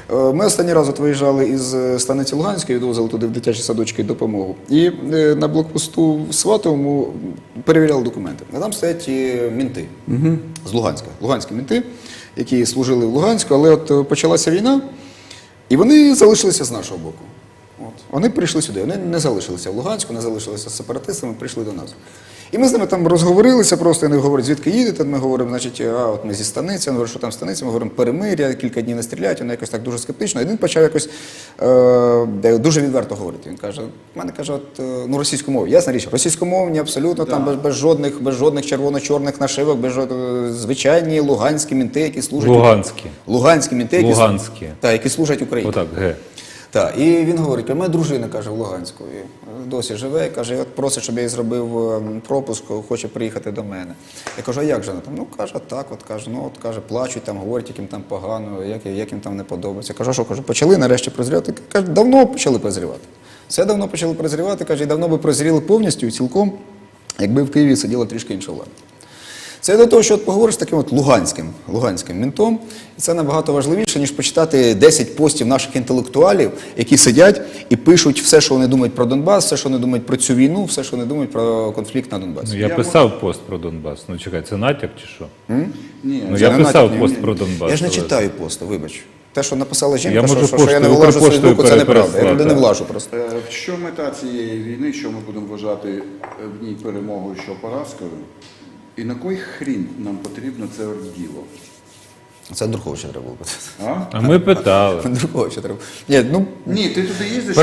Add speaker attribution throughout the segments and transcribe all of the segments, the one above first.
Speaker 1: Ми останній раз виїжджали із станиці Луганської, відвозили туди в дитячі садочки допомогу. І на блокпосту в Сватовому перевіряли документи. А там стоять мінти з Луганська. Луганські мінти, які служили в Луганську, але от почалася війна, і вони залишилися з нашого боку. Вони прийшли сюди, вони не залишилися в Луганську, не залишилися з сепаратистами, прийшли до нас. І ми з ними там розговорилися просто, вони говорять, звідки їдете, ми говоримо, значить, от ми зі станиці, вони говорять, що там станиця, ми говоримо, перемир'я, кілька днів не стріляють, вони якось так дуже скептично. І він почав якось дуже відверто говорити. Він каже, в мене каже, російськомовні, ясна річ, російськомовні абсолютно, там без жодних червоно-чорних нашивок, звичайні луганські мінти, які служать... Луганські мінти, які служать Україні.
Speaker 2: Отак, ге.
Speaker 1: Так, і він говорить, моя дружина, каже, в Луганську, і досі живе, і каже, от просить, щоб я їй зробив пропуск, хоче приїхати до мене. Я кажу, а як же вона там? Ну, каже, так, каже, плачуть, там, говорять, яким там погано, як їм там не подобається. Я кажу, а що, кажу, почали нарешті прозрівати? Каже, давно почали прозрівати. Все давно почали прозрівати, каже, і давно би прозріли повністю і цілком, якби в Києві сиділа трішки інша влада. Це до того, що от поговориш з таким от луганським мінтом, і це набагато важливіше, ніж почитати 10 постів наших інтелектуалів, які сидять і пишуть все, що вони думають про Донбас, все, що вони думають про цю війну, все, що вони думають про конфлікт на Донбасі.
Speaker 2: Ну, я писав пост про Донбас. Ну, чекай, це натяк чи що?
Speaker 1: Ні,
Speaker 2: ну, я писав пост про Донбас.
Speaker 1: Я ж не читаю посту, вибач. Те, що написала жінка,
Speaker 2: я
Speaker 1: що я не влажу свою думку, це неправда. Я туди не влажу просто.
Speaker 3: Що мета цієї війни, що ми будемо вважати в ній перемогою, що поразкою? І на кой хрін нам потрібно це діло?
Speaker 1: Це Андруховича треба було питати.
Speaker 2: А ми питали.
Speaker 1: Андруховича треба.
Speaker 3: Ні, ти туди їздиш?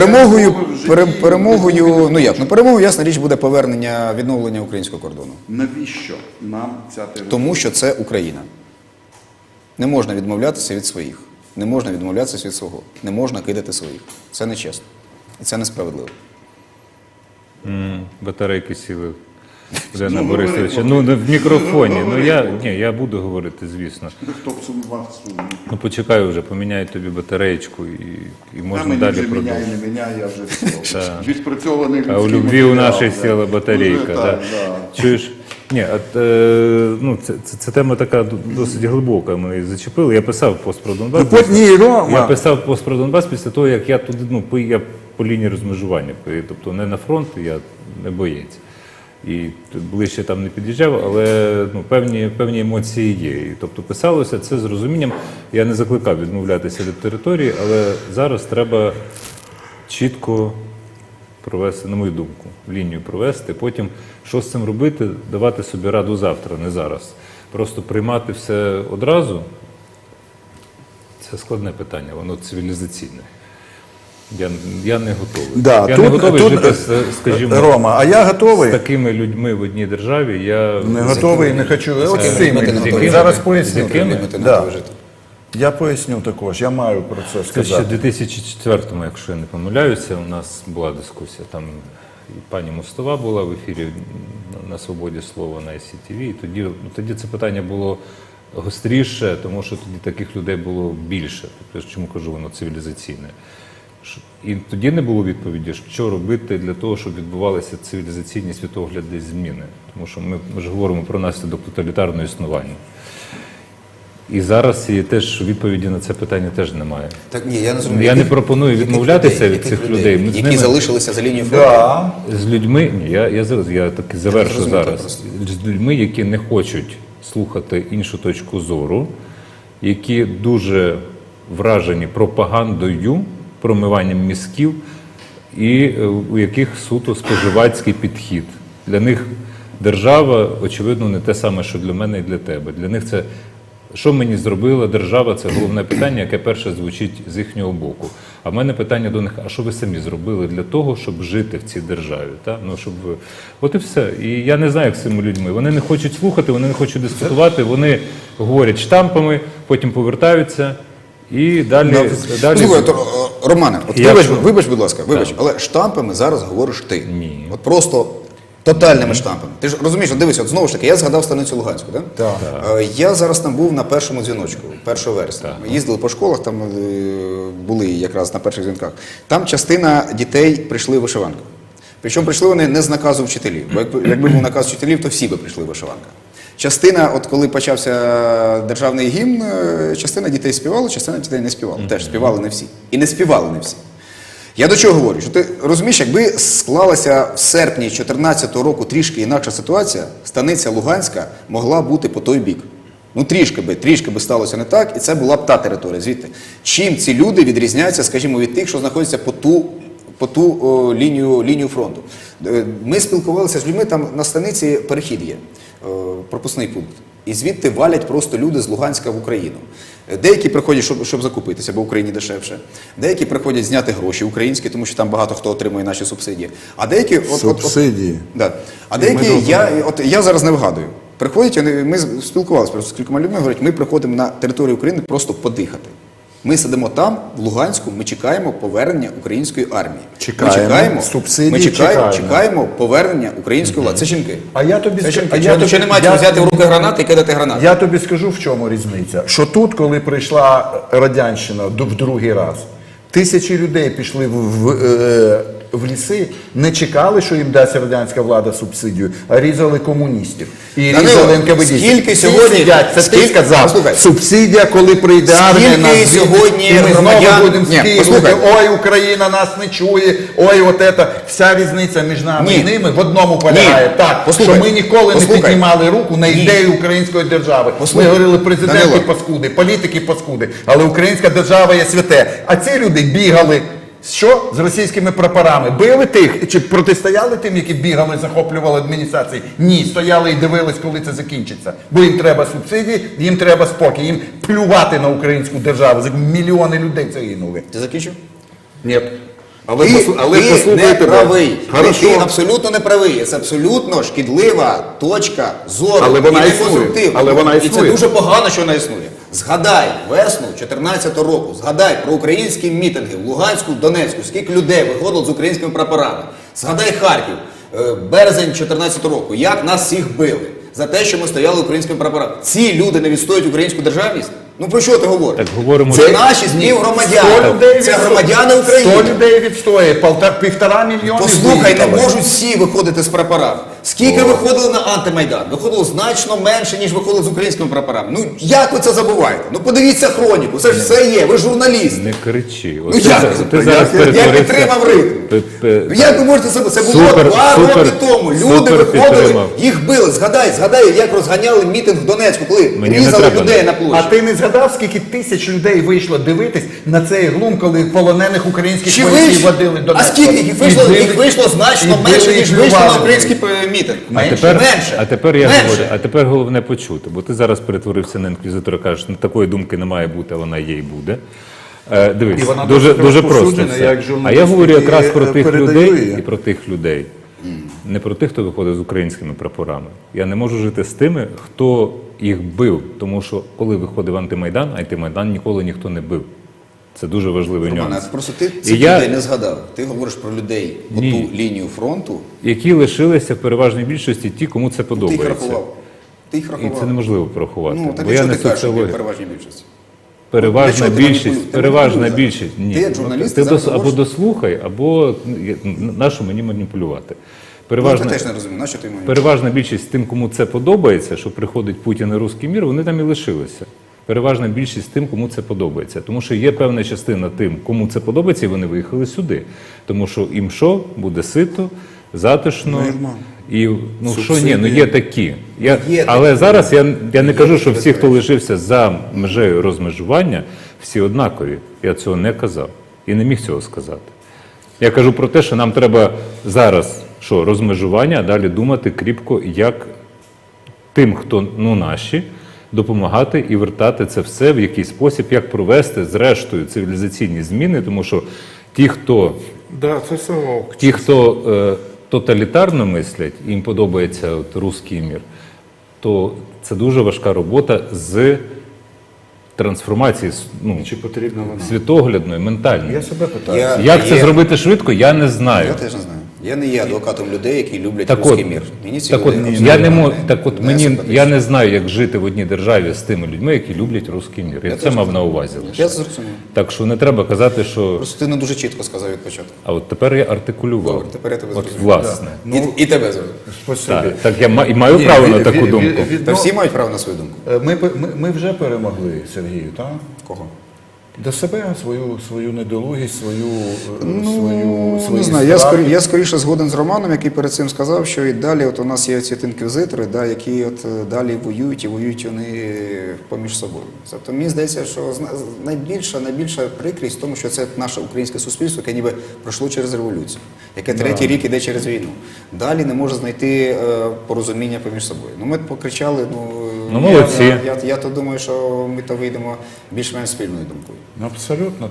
Speaker 1: Перемогою, ясна річ, буде повернення, відновлення українського кордону.
Speaker 3: Навіщо нам ця територія?
Speaker 1: Тому що це Україна. Не можна відмовлятися від своїх. Не можна відмовлятися від свого. Не можна кидати своїх. Це нечесно. І це несправедливо.
Speaker 2: Батарейки сіли. Олена Борисовича, в мікрофоні. Я буду говорити, звісно.
Speaker 3: Хто б сумнівав?
Speaker 2: Ну, почекай вже, поміняють тобі батареєчку і можна далі продовжувати.
Speaker 3: Не міняй, я вже все. Відпрацьований людський
Speaker 2: А у любві у нашій
Speaker 3: матеріал,
Speaker 2: сіла батарейка.
Speaker 3: Так.
Speaker 2: Чуєш? Ні, це тема така досить глибока, ми її зачепили. Я писав пост про Донбас. Я писав пост про Донбас після того, як я туди, я по лінії розмежування, тобто не на фронт, я не боєць. І ближче там не під'їжджав, але певні емоції є. І, тобто писалося це з розумінням. Я не закликав відмовлятися від території, але зараз треба чітко провести, на мою думку, лінію провести. Потім, що з цим робити, давати собі раду завтра, не зараз. Просто приймати все одразу – це складне питання, воно цивілізаційне. Я не готовий. Я не готовий жити, скажімо,
Speaker 4: Рома, а я готовий.
Speaker 2: З такими людьми в одній державі. Я
Speaker 4: не готовий, не хочу. От з цими. Зараз поясню. Я поясню також, я маю про це сказати.
Speaker 2: Ще в 2004-му, якщо я не помиляюся, у нас була дискусія. Там і пані Мостова була в ефірі на «Свободі слова» на СІТВ. І тоді це питання було гостріше, тому що тоді таких людей було більше. Тобто, чому кажу, воно цивілізаційне. І тоді не було відповіді, що робити для того, щоб відбувалися цивілізаційні світоглядні зміни. Тому що ми ж говоримо про наслідок тоталітарного існування. І зараз теж відповіді на це питання теж немає.
Speaker 1: Так, ні, я не розумію.
Speaker 2: Я не пропоную відмовлятися від цих людей.
Speaker 1: Які залишилися за лінією фронту?
Speaker 2: З людьми, я таки завершу зараз. З людьми, які не хочуть слухати іншу точку зору, які дуже вражені пропагандою, промиванням мізків, і у яких суто споживацький підхід. Для них держава, очевидно, не те саме, що для мене і для тебе. Для них це, що мені зробила держава, це головне питання, яке перше звучить з їхнього боку. А в мене питання до них, а що ви самі зробили для того, щоб жити в цій державі? От і все. І я не знаю, як з цими людьми. Вони не хочуть слухати, вони не хочуть дискутувати, вони говорять штампами, потім повертаються. І далі...
Speaker 1: Слухай, Романе, вибач, будь ласка, але штампами зараз говориш ти.
Speaker 2: Ні.
Speaker 1: От просто тотальними штампами. Ти ж розумієш, дивись, от знову ж таки, я згадав станицю Луганську, так?
Speaker 4: Так.
Speaker 1: Я зараз там був на першому дзвіночку, 1 вересня. Ми їздили по школах, там були якраз на перших дзвінках. Там частина дітей прийшли в вишиванках. Причому прийшли вони не з наказу вчителів, бо якби був наказ вчителів, то всі би прийшли в вишиванках. Частина, от коли почався державний гімн, частина дітей співала, частина дітей не співала. Теж співали не всі. І не співали не всі. Я до чого говорю? Що ти розумієш, якби склалася в серпні 2014 року трішки інакша ситуація, станиця Луганська могла бути по той бік. Ну трішки би сталося не так, і це була б та територія. Звідти. Чим ці люди відрізняються, скажімо, від тих, що знаходяться по ту лінію фронту? Ми спілкувалися з людьми, там на станиці перехід є, пропускний пункт. І звідти валять просто люди з Луганська в Україну. Деякі приходять, щоб закупитися, бо в Україні дешевше. Деякі приходять зняти гроші українські, тому що там багато хто отримує наші субсидії. А деякі...
Speaker 4: Субсидії.
Speaker 1: Да. А деякі, я зараз не вгадую. Приходять, ми спілкувалися просто з кількома людьми, говорять, ми приходимо на територію України просто подихати. Ми сидимо там, в Луганську, ми чекаємо повернення української армії. Чекаємо повернення української влади. Це жінки.
Speaker 4: А я тобі
Speaker 1: Що не мають взяти в руки гранати і кидати гранати.
Speaker 4: Я тобі скажу, в чому різниця. Що тут, коли прийшла радянщина в другий раз, тисячі людей пішли в ліси, не чекали, що їм дасть радянська влада субсидію, а різали комуністів. І різали НКВД.
Speaker 1: Скільки сьогодні...
Speaker 4: Це ти сказав. Субсидія, коли прийде армія, нас
Speaker 1: сьогодні
Speaker 4: і ми знову будемо
Speaker 1: Ні,
Speaker 4: скидувати. Ой, Україна нас не чує, ой, от це. Вся різниця між нами і ними в одному полягає. Так, що ми ніколи не піднімали руку на ідею української держави. Ми говорили, президенти паскуди, політики паскуди, але українська держава є святе. А ці люди бігали. Що? З російськими прапорами. Били тих, чи протистояли тим, які бігали, захоплювали адміністрації? Ні, стояли і дивились, коли це закінчиться. Бо їм треба субсидії, їм треба спокій, їм плювати на українську державу. Мільйони людей загинули.
Speaker 1: Ти закінчив?
Speaker 4: Ні.
Speaker 1: Ти не правий. Ти абсолютно не правий. Це абсолютно шкідлива точка зору.
Speaker 4: Але вона
Speaker 1: і
Speaker 4: існує. Але вона
Speaker 1: І це
Speaker 4: існує.
Speaker 1: дуже погано, що вона існує. Згадай весну 2014 року, згадай про українські мітинги в Луганську, Донецьку, скільки людей виходило з українськими прапорами. Згадай Харків, березень 2014 року, як нас всіх били за те, що ми стояли українськими прапорами. Ці люди не відстоюють українську державність? Ну про що ти говориш?
Speaker 2: Так говоримо,
Speaker 1: це наші співгромадяни. Це громадяни України.
Speaker 4: 100 людей відстоює, 1,5 мільйона.
Speaker 1: Послухай, не можуть всі виходити з прапорами. Скільки виходили на антимайдан? Виходило значно менше, ніж виходили з українськими прапорами. Ну як ви це забуваєте? Ну подивіться хроніку, це ж все є, ви ж журналіст.
Speaker 2: Не кричи.
Speaker 1: Ну як? Я підтримав ритм. Як ви можете себе? Це було 2 роки тому. Люди виходили, їх били. Згадай, як розганяли мітинг в Донецьку, коли різали людей на площі.
Speaker 4: А ти не згадав, скільки тисяч людей вийшло дивитись на цей глум, коли полонених українських вояків водили до Донецька?
Speaker 1: А скільки? Їх вийшло значно менше, ніж вийшло на український мітинг.
Speaker 2: А тепер головне почути, бо ти зараз перетворився на інквізитора, кажеш, такої думки не має бути, а вона є і буде. Дивись, дуже просто все. А я говорю якраз про тих людей і про тих людей. Не про тих, хто виходить з українськими прапорами. Я не можу жити з тими, хто їх бив. Тому що коли виходив антимайдан ніколи ніхто не бив. Це дуже важливий нюанс.
Speaker 1: Просто ти цих людей не згадав. Ти говориш про людей по ту лінію фронту.
Speaker 2: Які лишилися в переважній більшості ті, кому це подобається.
Speaker 1: Ти їх рахував.
Speaker 2: І це неможливо порахувати.
Speaker 1: Ну, так
Speaker 2: бо я
Speaker 1: що
Speaker 2: не
Speaker 1: ти кажеш, що
Speaker 2: соціолог.
Speaker 1: переважній більшості?
Speaker 2: Переважна більшість. Ні.
Speaker 1: Ти як журналіст,
Speaker 2: Ти
Speaker 1: зараз
Speaker 2: або дослухай, або нащо мені маніпулювати.
Speaker 1: Я теж не розумію, нащо ти
Speaker 2: Переважна більшість тим, кому це подобається, що приходить Путін і Руський мір, вони там і лишилися. Переважна більшість тим, кому це подобається. Тому що є певна частина тим, кому це подобається, і вони виїхали сюди. Тому що їм що? Буде сито, затишно. І, є такі. Але зараз я не кажу, що всі, хто лишився за межею розмежування, всі однакові. Я цього не казав. І не міг цього сказати. Я кажу про те, що нам треба зараз розмежування, а далі думати кріпко, як тим, хто наші, допомагати і вертати це все в якийсь спосіб, як провести зрештою цивілізаційні зміни, тому що ті, хто тоталітарно мислять, їм подобається руський мір, то це дуже важка робота з трансформації світоглядної, ментальної.
Speaker 4: Я себе питаю.
Speaker 2: Як це зробити швидко, я не знаю.
Speaker 1: Я теж не знаю. Я не є адвокатом людей, які люблять
Speaker 2: Так
Speaker 1: руський
Speaker 2: от,
Speaker 1: мір. Мені ці
Speaker 2: так
Speaker 1: люди
Speaker 2: от,
Speaker 1: абсолютно
Speaker 2: я не можу, так от
Speaker 1: не
Speaker 2: мені,
Speaker 1: симпатичні.
Speaker 2: я не знаю, як жити в одній державі з тими людьми, які люблять русський мір. Я це
Speaker 1: теж
Speaker 2: мав на увазі лише.
Speaker 1: Я це зрозумів.
Speaker 2: Так що не треба казати, що...
Speaker 1: Просто ти не дуже чітко сказав від початку.
Speaker 2: А от тепер я артикулював.
Speaker 1: Добре, тепер я тебе
Speaker 2: От
Speaker 1: зрозумів.
Speaker 2: власне.
Speaker 1: І тебе зрозумів.
Speaker 4: Спасибі.
Speaker 2: Так я і маю право на таку думку.
Speaker 1: Та всі мають право на свою думку.
Speaker 4: Ми вже перемогли Сергію, так?
Speaker 1: Кого?
Speaker 4: До себе свою недолугість,
Speaker 1: Ну,
Speaker 4: свої
Speaker 1: не знаю,
Speaker 4: страхи.
Speaker 1: я скоріше згоден з Романом, який перед цим сказав, що і далі от у нас є ці інквізитори, да, які от далі воюють, і воюють вони поміж собою. Тобто мені здається, що найбільша прикрість в тому, що це наше українське суспільство, яке ніби пройшло через революцію, яке третій рік іде через війну. Далі не може знайти порозуміння поміж собою. Ну ми покричали,
Speaker 2: Ну, молодці.
Speaker 1: Я то думаю, що ми то вийдемо більш-менш спільною думкою.
Speaker 4: Абсолютно,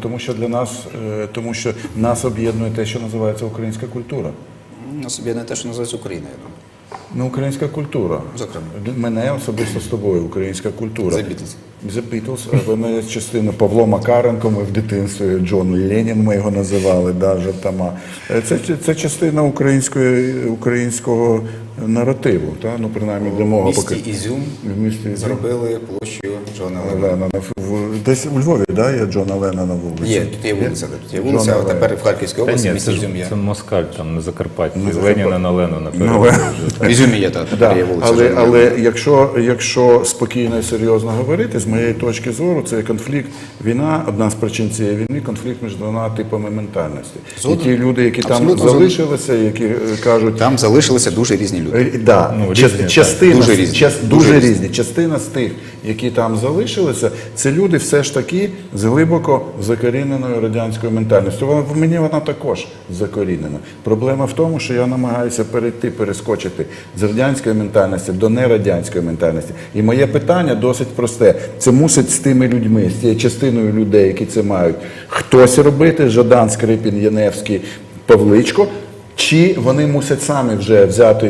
Speaker 4: тому що нас об'єднує те, що називається українська культура.
Speaker 1: На собі не те, що називається Україна, я думаю.
Speaker 4: Ну, українська культура.
Speaker 1: Зокрема.
Speaker 4: Мене особисто з тобою, українська культура.
Speaker 1: The Beatles.
Speaker 4: The Beatles. Ви мене частина Павло Макаренко, ми в дитинстві, Джон Ленін ми його називали, да, жартома. Це частина українського наративу, та? Ну, принаймні для мого
Speaker 1: В місті Ізюм
Speaker 4: В місті Ізюм.
Speaker 1: зробили площу Джона Леннона.
Speaker 4: Леннона. Десь у Львові, да, є Джона Леннона на вулиці?
Speaker 1: Є, тут є вулиця, а
Speaker 4: Джона
Speaker 1: тепер в Харківській
Speaker 2: Та
Speaker 1: області
Speaker 2: ні,
Speaker 1: місто
Speaker 2: це,
Speaker 1: Ізюм є.
Speaker 2: це москаль, там на Закарпатті.
Speaker 4: На
Speaker 2: Леніна на Ленона.
Speaker 1: В Ізюмі є, тепер
Speaker 4: Да,
Speaker 1: є вулиця Джона
Speaker 4: але
Speaker 1: Леннона.
Speaker 4: якщо спокійно і серйозно говорити, з моєї точки зору, це конфлікт, війна, одна з причин цієї війни, конфлікт між двома типами ментальності. І
Speaker 1: Згоден.
Speaker 4: ті люди, які там
Speaker 1: Абсолютно згоден.
Speaker 4: залишилися, які кажуть,
Speaker 1: Там залишилися дуже різні люди.
Speaker 4: Да,
Speaker 2: Ну, різні, так.
Speaker 4: частина,
Speaker 1: Дуже різні.
Speaker 4: дуже
Speaker 1: Дуже
Speaker 4: різні. Частина з тих, які там залишилися, це люди все ж таки з глибоко закоріненою радянською ментальністю. В мені вона також закорінена. Проблема в тому, що я намагаюся перескочити з радянської ментальності до нерадянської ментальності. І моє питання досить просте. Це мусить з тими людьми, з тією частиною людей, які це мають, хтось робити, Жадан, Скрипін, Яневський, Павличко, чи вони мусять самі вже взяти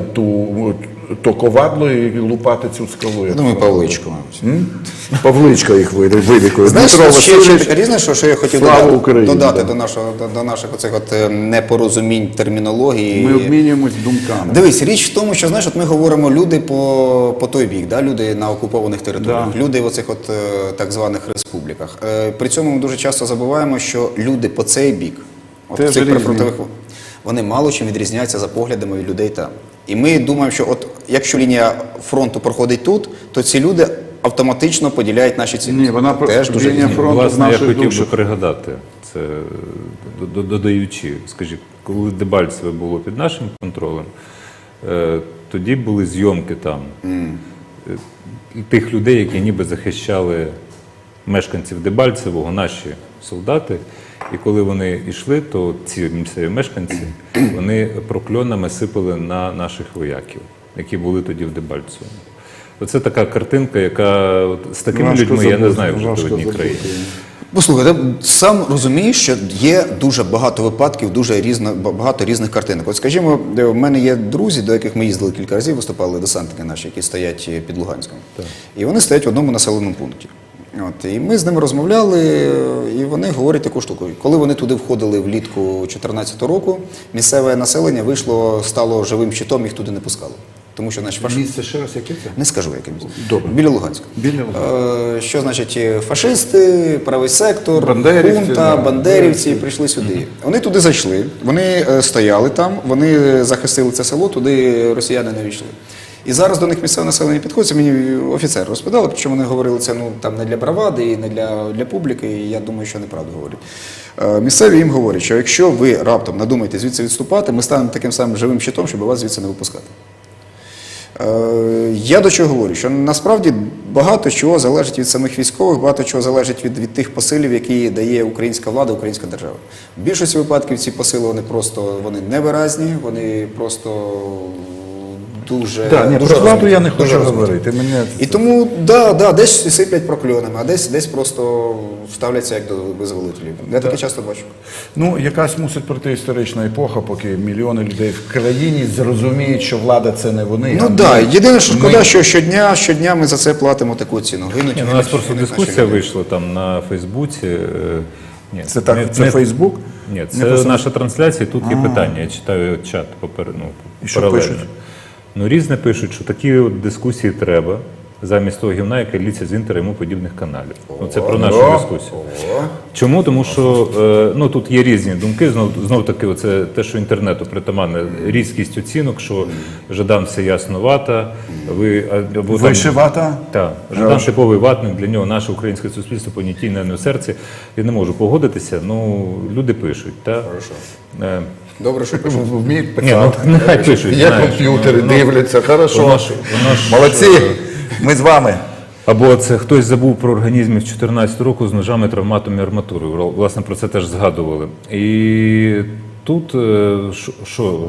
Speaker 4: то ковадло і лупати цю скалу?
Speaker 1: Я думаю, Павличко, мабуть.
Speaker 4: Павличко їх вилікує.
Speaker 1: Знаєш,
Speaker 4: Дмитро
Speaker 1: ще
Speaker 4: Васильович,
Speaker 1: така різне, що я хотів
Speaker 4: слава Україні,
Speaker 1: додати
Speaker 4: да.
Speaker 1: до наших оцих непорозумінь термінології.
Speaker 4: ми обмінюємось думками.
Speaker 1: Дивись, річ в тому, що знаєш, от ми говоримо люди по той бік, да? Люди на окупованих територіях,
Speaker 4: Да.
Speaker 1: люди в оцих от так званих республіках. При цьому ми дуже часто забуваємо, що люди по цей бік, от
Speaker 4: Теж
Speaker 1: в цих
Speaker 4: різні.
Speaker 1: прифронтових, вони мало чим відрізняються за поглядами від людей там. І ми думаємо, що от якщо лінія фронту проходить тут, то ці люди автоматично поділяють наші цінності.
Speaker 4: Ні, вона
Speaker 1: теж дуже
Speaker 4: лінія
Speaker 1: різні.
Speaker 4: фронту з
Speaker 2: Власне, я
Speaker 4: нашої
Speaker 2: хотів
Speaker 4: душі.
Speaker 2: би пригадати, це додаючи, скажіть, коли Дебальцеве було під нашим контролем, тоді були зйомки там тих людей, які ніби захищали мешканців Дебальцевого, наші солдати. І коли вони йшли, то ці місцеві мешканці, вони прокльонами сипали на наших вояків, які були тоді в Дебальцевому. Оце така картинка, яка от з такими
Speaker 4: Важко
Speaker 2: людьми, я не
Speaker 4: забути,
Speaker 2: знаю, вже в
Speaker 4: важко
Speaker 2: одній
Speaker 4: забути.
Speaker 2: країні.
Speaker 1: Послухай, ти сам розумієш, що є дуже багато випадків, багато різних картинок. От скажімо, в мене є друзі, до яких ми їздили кілька разів, виступали десантники наші, які стоять під Луганськом. І вони стоять в одному населеному пункті. От, і ми з ними розмовляли, і вони говорять таку штуку. Коли вони туди входили влітку 2014 року, місцеве населення стало живим щитом, їх туди не пускало. Тому що, значить,
Speaker 4: Місце ще раз, яке це?
Speaker 1: не скажу, яке місце.
Speaker 4: Добре.
Speaker 1: Біля Луганська.
Speaker 4: Біля Луганська.
Speaker 1: Що значить фашисти, правий сектор,
Speaker 4: Бандерівці,
Speaker 1: хунта,
Speaker 4: да.
Speaker 1: бандерівці прийшли сюди. Вони туди зайшли, вони стояли там, вони захистили це село, туди росіяни не війшли. І зараз до них місцеве населення підходить, це мені офіцер розповідали, причому вони говорили це там не для бравади і не для публіки, і я думаю, що неправду говорять. Місцеві їм говорять, що якщо ви раптом надумаєте звідси відступати, ми станемо таким самим живим щитом, щоб вас звідси не випускати. Я до чого говорю, що насправді багато чого залежить від самих військових, багато чого залежить від тих посилів, які дає українська влада, українська держава. В більшості випадків ці посили вони невиразні, вони просто дуже...
Speaker 4: Про
Speaker 1: дуже
Speaker 4: владу
Speaker 1: розмиті,
Speaker 4: я не
Speaker 1: дуже
Speaker 4: хочу
Speaker 1: розмиті.
Speaker 4: говорити.
Speaker 1: І тому, десь сиплять прокльонами, а десь просто ставляться як до визволителів. Я таке часто бачу.
Speaker 4: Ну, якась мусить пройти історична епоха, поки мільйони людей в країні зрозуміють, що влада це не вони.
Speaker 1: Ну так, єдине, що шкода, що щодня ми за це платимо таку ціну. Гинуть,
Speaker 2: Ні, ну, у нас просто дискусія вийшла там на Фейсбуці. Ні,
Speaker 4: Це так,
Speaker 2: не-
Speaker 4: це
Speaker 2: не-
Speaker 4: Фейсбук?
Speaker 2: Ні,
Speaker 4: Не
Speaker 2: це
Speaker 4: просто-
Speaker 2: наша трансляція, тут є питання. Я читаю чат
Speaker 4: І що
Speaker 2: паралельно.
Speaker 4: пишуть?
Speaker 2: Ну, різне пишуть, що такі от дискусії треба замість того гівна, яке літься з Інтера і йому подібних каналів. Ну, це про нашу дискусію. Чому? Тому що ну, тут є різні думки. Знов таки, оце те, що інтернету притаманне, різкість оцінок, що Жадан все ясно вата, або там-
Speaker 4: Вишивата?
Speaker 2: так, Жадан типовий ватник, для нього наше українське суспільство понятійне не в серці. Я не можу погодитися, ну люди пишуть. Та?
Speaker 1: Добре, що пишуть.
Speaker 4: Вміють
Speaker 2: Ні, ну
Speaker 4: писати.
Speaker 2: нехай пишуть.
Speaker 4: Є
Speaker 2: знаєш.
Speaker 4: комп'ютери, дивляться, хорошо.
Speaker 2: воно ж-
Speaker 4: Молодці, ми з вами.
Speaker 2: Або це хтось забув про організмів 14 року з ножами, травматом і арматурою. Власне, про це теж згадували. І тут що,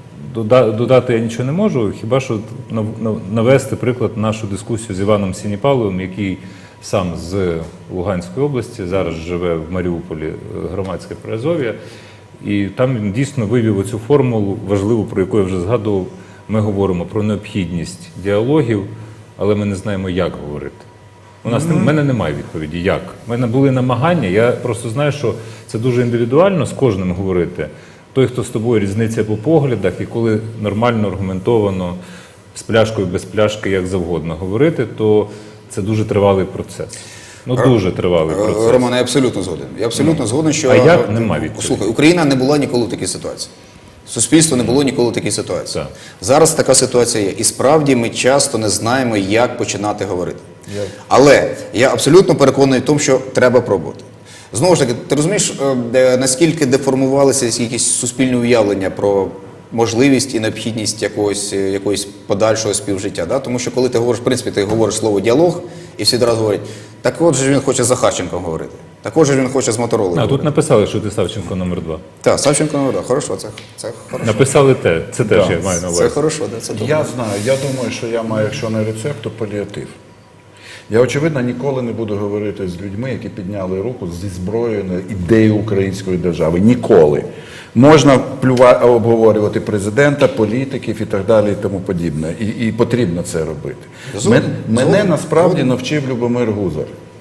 Speaker 2: додати я нічого не можу, хіба що навести приклад нашу дискусію з Іваном Сініпаловим, який сам з Луганської області, зараз живе в Маріуполі, громадське Приазов'я. І там він дійсно вивів оцю формулу важливу, про яку я вже згадував. Ми говоримо про необхідність діалогів, але ми не знаємо, як говорити. В мене немає відповіді, як. У мене були намагання, я просто знаю, що це дуже індивідуально з кожним говорити. Той, хто з тобою різниця по поглядах, і коли нормально, аргументовано, з пляшкою, без пляшки, як завгодно говорити, то це дуже тривалий процес. Ну, дуже тривалий процес.
Speaker 1: Роман, я абсолютно згоден. Я абсолютно згоден, що...
Speaker 2: А як? Нема відповіді.
Speaker 1: Слухай, Україна не була ніколи в такій ситуації. Суспільство не було ніколи в такій ситуації.
Speaker 2: Так.
Speaker 1: Зараз така ситуація є. І справді ми часто не знаємо, як починати говорити. Але я абсолютно переконаний в тому, що треба пробувати. Знову ж таки, ти розумієш, наскільки деформувалися якісь суспільні уявлення про можливість і необхідність якогось подальшого співжиття. Да? Тому що коли ти говориш, в принципі, ти говориш слово «діалог», і всі одразу говорять, так от же він хоче з Захарченком говорити, так от же він хоче з Моторолою
Speaker 2: А
Speaker 1: говорити.
Speaker 2: тут написали, що ти Савченко номер 2.
Speaker 1: Так, Савченко, ну, да, хорошо, це хорошо.
Speaker 2: Написали те, це теж я маю на увазі.
Speaker 1: Це хорошо, да, це добре.
Speaker 4: Я знаю, я думаю, що я маю, якщо не рецепт, то паліатив. Я, очевидно, ніколи не буду говорити з людьми, які підняли руку зі зброєю на ідею української держави. Ніколи. Можна обговорювати президента, політиків і так далі, і тому подібне. І потрібно це робити. Мене насправді навчив Любомир Гузар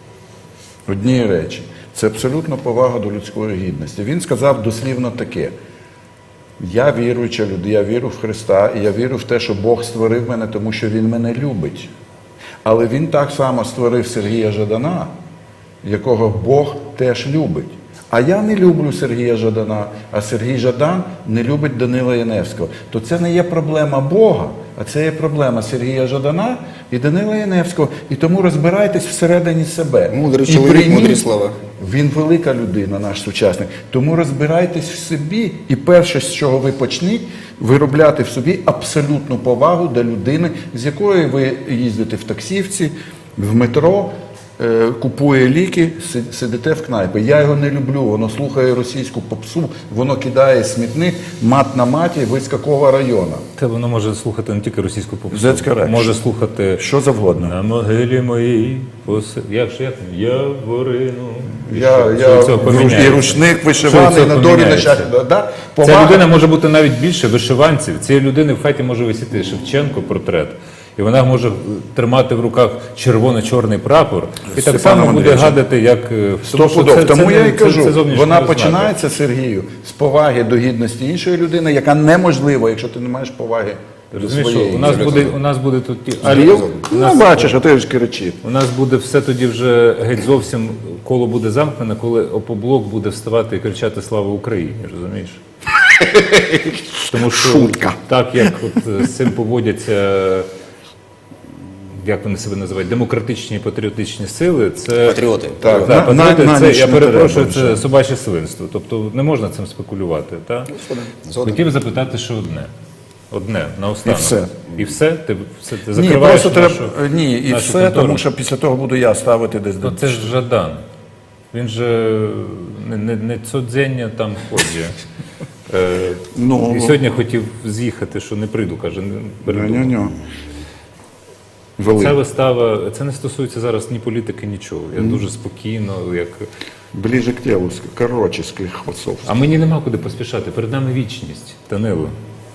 Speaker 4: однієї речі. Це абсолютно повага до людської гідності. Він сказав дослівно таке: я віруюча людина, я вірю в Христа, і я вірю в те, що Бог створив мене, тому що Він мене любить. Але Він так само створив Сергія Жадана, якого Бог теж любить. А я не люблю Сергія Жадана, а Сергій Жадан не любить Данила Яневського. То це не є проблема Бога, а це є проблема Сергія Жадана і Данила Яневського. І тому розбирайтесь всередині себе.
Speaker 1: Мудрий
Speaker 4: І
Speaker 1: чоловік,
Speaker 4: прийміть-
Speaker 1: мудрі слова.
Speaker 4: Він велика людина, наш сучасник. Тому розбирайтесь в собі. І перше, з чого ви почніть, виробляти в собі абсолютну повагу до людини, з якою ви їздите в таксівці, в метро, купує ліки, сидите в кнайпі. Я його не люблю, воно слухає російську попсу, воно кидає смітник, мат на маті, Вискакова району.
Speaker 2: Це воно може слухати не тільки російську попсу,
Speaker 4: That's correct.
Speaker 2: може слухати
Speaker 4: Що завгодно.
Speaker 2: на могилі моїй, як Яворину.
Speaker 4: І рушник вишиваний на долі нащадка. Да?
Speaker 2: Ця людина може бути навіть більше вишиванців. Цієї людини в хаті може висіти Шевченко портрет. І вона може тримати в руках червоно-чорний прапор. І так само буде
Speaker 4: Андрійовичем.
Speaker 2: гадати, як...
Speaker 4: Стопудов. Тому я і кажу,
Speaker 2: зовнішнє
Speaker 4: вона
Speaker 2: ознака.
Speaker 4: починається, Сергію, з поваги до гідності іншої людини, яка неможлива, якщо ти не маєш поваги до
Speaker 2: Розумієш, що
Speaker 4: своєї.
Speaker 2: у нас буде тут...
Speaker 4: Ну, бачиш, а ти ж кричиш.
Speaker 2: У нас буде все тоді вже геть зовсім коло буде замкнене, коли опоблок буде вставати і кричати «Слава Україні», розумієш? Тому що
Speaker 4: Шутка.
Speaker 2: так, як от з цим поводяться, як вони себе називають, демократичні і патріотичні сили, це...
Speaker 1: Патріоти.
Speaker 4: Так,
Speaker 2: Так, патріоти,
Speaker 4: на
Speaker 2: це,
Speaker 4: ніч
Speaker 2: я
Speaker 4: не
Speaker 2: перепрошую,
Speaker 4: треба
Speaker 2: це собаче свинство. Тобто не можна цим спекулювати. Так?
Speaker 1: Згоден.
Speaker 2: Хотів запитати ще одне. Одне, наостанок.
Speaker 4: І все.
Speaker 2: І все? Ти
Speaker 4: Ні,
Speaker 2: закриваєш
Speaker 4: просто
Speaker 2: нашу,
Speaker 4: треба. Ні, і
Speaker 2: нашу
Speaker 4: все,
Speaker 2: контору?
Speaker 4: тому що після того буду я ставити десь
Speaker 2: Ну,
Speaker 4: до.
Speaker 2: це ж Жадан. Він же не цодзення там ходить.
Speaker 4: Ну,
Speaker 2: І сьогодні хотів з'їхати, що не прийду, каже, не передумав.
Speaker 4: ню-ню-ню.
Speaker 2: Ця
Speaker 4: Велика.
Speaker 2: вистава, це не стосується зараз ні політики, нічого. Я дуже спокійно, як...
Speaker 4: Ближе к телу, короче, склихоцов.
Speaker 2: А мені нема куди поспішати. Перед нами вічність, Данило.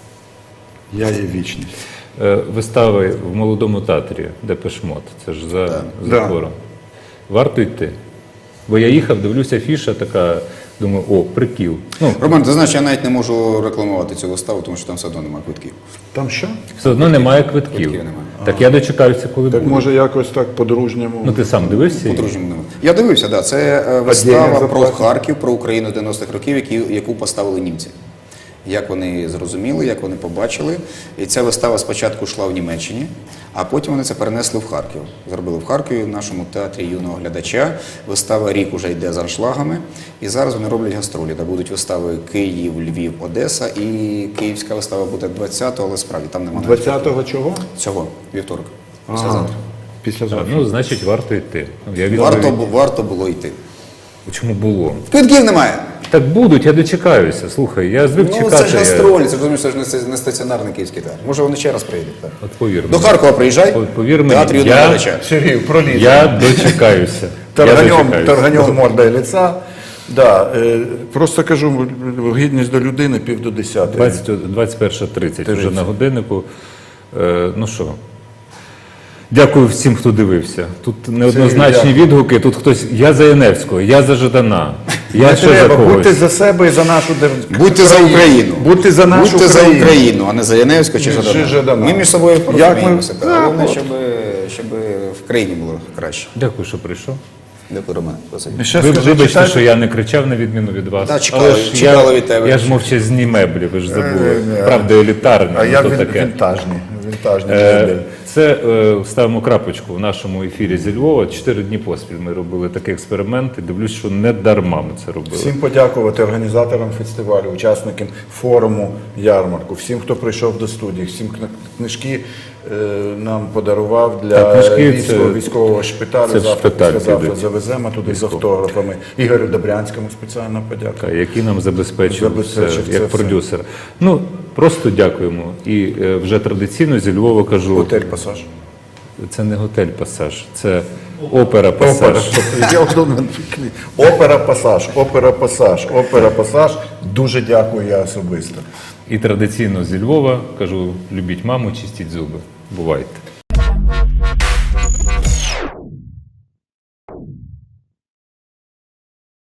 Speaker 4: Я є вічність.
Speaker 2: Вистави в Молодому театрі, Депеш Мод. Це ж за
Speaker 4: Да.
Speaker 2: хором. Варто йти? Бо я їхав, дивлюся, афіша така, думаю, о, прикіл. Ну,
Speaker 1: Роман, ти знаєш, я навіть не можу рекламувати цю виставу, тому що там все одно немає квитків.
Speaker 3: Там що?
Speaker 2: все одно немає квитків.
Speaker 1: Квитків немає.
Speaker 2: Так я дочекаюся, коли
Speaker 3: Так
Speaker 2: буде.
Speaker 3: може якось так по-дружньому.
Speaker 2: Ну ти сам дивився?
Speaker 1: По-дружньому немає. Я дивився, да. Це вистава
Speaker 3: Отдельно
Speaker 1: про
Speaker 3: заплатять.
Speaker 1: Харків, про Україну 90-х років, яку поставили німці. Як вони зрозуміли, як вони побачили. І ця вистава спочатку йшла в Німеччині, а потім вони це перенесли в Харків. Зробили в Харкові, в нашому театрі юного глядача. Вистава рік уже йде з аншлагами. І зараз вони роблять гастролі. Де будуть вистави Київ, Львів, Одеса. І київська вистава буде 20-го, але справді там немає
Speaker 3: 20-го чого?
Speaker 1: цього, вівторок. Післязавтра.
Speaker 3: Післязавтра.
Speaker 2: Ну, значить, варто йти. Ну, я
Speaker 1: Варто було йти.
Speaker 2: Чому було?
Speaker 1: Квитків немає.
Speaker 2: Так будуть, я дочекаюся. Слухай, я звик
Speaker 1: Ну,
Speaker 2: чекати.
Speaker 1: це ж гастролі, це розумієш, це ж не стаціонарний київський театр. Може вони ще раз приїдуть. Так?
Speaker 2: От повір
Speaker 1: До
Speaker 2: мені.
Speaker 1: Харкова приїжджай,
Speaker 2: Повір
Speaker 1: театр
Speaker 2: мені,
Speaker 1: юного
Speaker 2: я-
Speaker 1: глядача.
Speaker 3: Сергій, проліз.
Speaker 2: Я дочекаюся. Я дочекаюся.
Speaker 3: Торганем морда і лиця. Да, просто кажу, гідність до людини 9:50.
Speaker 2: 21:30 вже на годиннику. Ну що, дякую всім, хто дивився. Тут неоднозначні відгуки, тут хтось, я за Яневського, я за Жадана, я
Speaker 3: Не
Speaker 2: ще за
Speaker 3: треба,
Speaker 2: когось.
Speaker 3: будьте за себе і за нашу державу.
Speaker 1: Будьте за Україну.
Speaker 3: Будьте за нашу
Speaker 1: Будьте за
Speaker 3: країну.
Speaker 1: Україну, а не за Яневського чи
Speaker 3: Чи
Speaker 1: Жадана.
Speaker 3: Жадана.
Speaker 1: Ми між собою
Speaker 3: Як ми-
Speaker 1: порозуміємося.
Speaker 3: Да,
Speaker 1: Головне,
Speaker 3: от.
Speaker 1: щоб в країні було краще.
Speaker 2: Дякую, що прийшов.
Speaker 1: Дякую, Роман. Спасибі.
Speaker 3: Ще
Speaker 2: Ви
Speaker 3: скажи,
Speaker 2: вибачте,
Speaker 3: читайте.
Speaker 2: що я не кричав на відміну від вас.
Speaker 1: Та, чекали-
Speaker 2: Але ж
Speaker 1: чекали від тебе.
Speaker 2: Я ж мовчазні меблі, ви ж забули.
Speaker 3: Ні.
Speaker 2: Правда, елітарна,
Speaker 3: А я
Speaker 2: то таке.
Speaker 3: вінтажний.
Speaker 2: Це ставимо крапочку в нашому ефірі зі Львова. 4 дні поспіль ми робили такий експеримент і дивлюсь, що не дарма ми це робили.
Speaker 3: Всім подякувати організаторам фестивалю, учасникам форуму ярмарку, всім, хто прийшов до студії, всім книжки нам подарував для
Speaker 2: Так, книжки це-
Speaker 3: військового шпиталю.
Speaker 2: це в
Speaker 3: Завтра,
Speaker 2: шпиталь
Speaker 3: післязавтра
Speaker 2: підуть.
Speaker 3: завеземо туди з автографами. Ігорю Добрянському спеціальна подяка.
Speaker 2: Який нам забезпечив
Speaker 3: Забезпечив
Speaker 2: це,
Speaker 3: це
Speaker 2: як
Speaker 3: все.
Speaker 2: продюсер. Ну, просто дякуємо. І вже традиційно зі Львова кажу,
Speaker 3: Готель «Пасаж».
Speaker 2: це не готель «Пасаж», це опера «Пасаж».
Speaker 3: Опера «Пасаж», опера «Пасаж», опера «Пасаж». Дуже дякую я особисто.
Speaker 2: І традиційно зі Львова кажу, любіть маму, чистіть зуби. Бувайте.